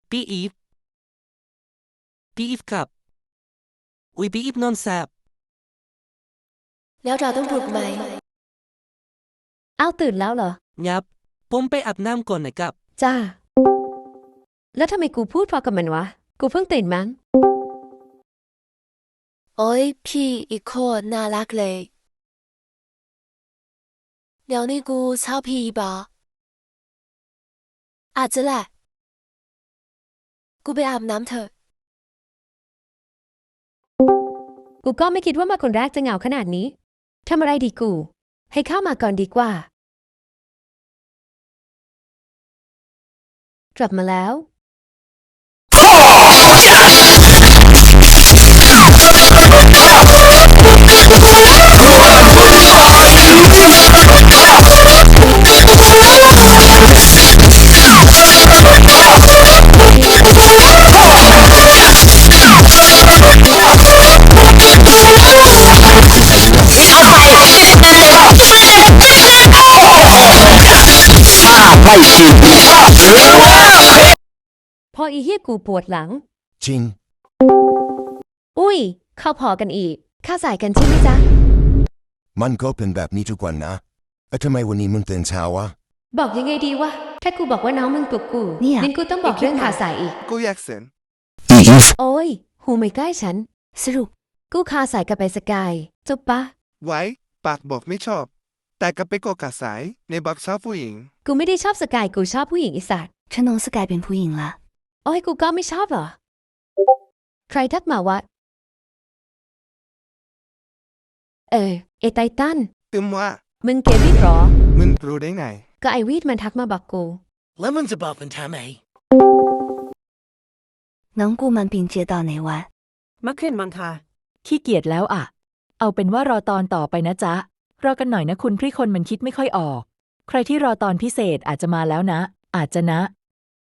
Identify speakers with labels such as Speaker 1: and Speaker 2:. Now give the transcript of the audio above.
Speaker 1: พี่อีฟครับอุ๊ยพี่อีฟนอนแซบ
Speaker 2: แล้วเราต้องปลุกไหม
Speaker 3: อ้าวตื่นแล้วเหรอ
Speaker 1: ยับผมไปอาบน้ำก่อนนะครับ
Speaker 3: จ้าแล้วทำไมกูพูดพอกับมันวะกูเพิ่งตื่นมั้ง
Speaker 2: โอ้ยพี่อีกคนน่ารักเลยเดี๋ยวนี้กูชอบพี่ปะอาจจะแหละกูไปอาบน้ำเถอะ
Speaker 3: กูก็ไม่คิดว่ามาคนแรกจะเหงาขนาดนี้ทำอะไรดีกูให้เข้ามาก่อนดีกว่ากลับมาแล้วพออีเหี้ยกูปวดหลัง
Speaker 4: จริง
Speaker 3: อุ้ยเข้าพอกันอีกข้าสายกันใช่ไหมจ๊ะ
Speaker 4: มันก็เป็นแบบนี้ทุกวันนะทำไมวันนี้มึงตื่นเช้าวะ
Speaker 3: บอกยังไงดีวะถ้ากูบอกว่าน้องมึงปลุกกูงั้นกูต้องบอกเรื่องขาสายอีก
Speaker 5: กูอยากเสน
Speaker 3: โอ้ยหูไม่ใกล้ฉันสรุปกูขาสายกับไปสกายจบปะ
Speaker 5: ไว้ปากบอกไม่ชอบ แต่ก็ไปโกกาสายในบักชอบผู้หญิง
Speaker 3: กูไม่ได้ชอบสกายกูชอบผู้หญิงอีสัตว์
Speaker 2: ฉันน้องสกายเป็นผู้หญิงละ
Speaker 3: โอ้ยกูก็ไม่ชอบเหรอใครทักมาวะไอไททัน
Speaker 5: ตึมว่า
Speaker 3: มึงเกย์วีดหรอ
Speaker 5: มึงรู้ได้ไง
Speaker 3: ก็ไอวีดมันทักมาบอกกู
Speaker 1: แล้วมันจะบอกมันทำไม
Speaker 2: 能顾满并街道哪晚
Speaker 6: มะเขือนมังคาขี้เกียจแล้วอ่ะเอาเป็นว่ารอตอนต่อไปนะจ๊ะรอกันหน่อยนะคุณพี่คนมันคิดไม่ค่อยออกใครที่รอตอนพิเศษอาจจะมาแล้วนะอาจจะนะ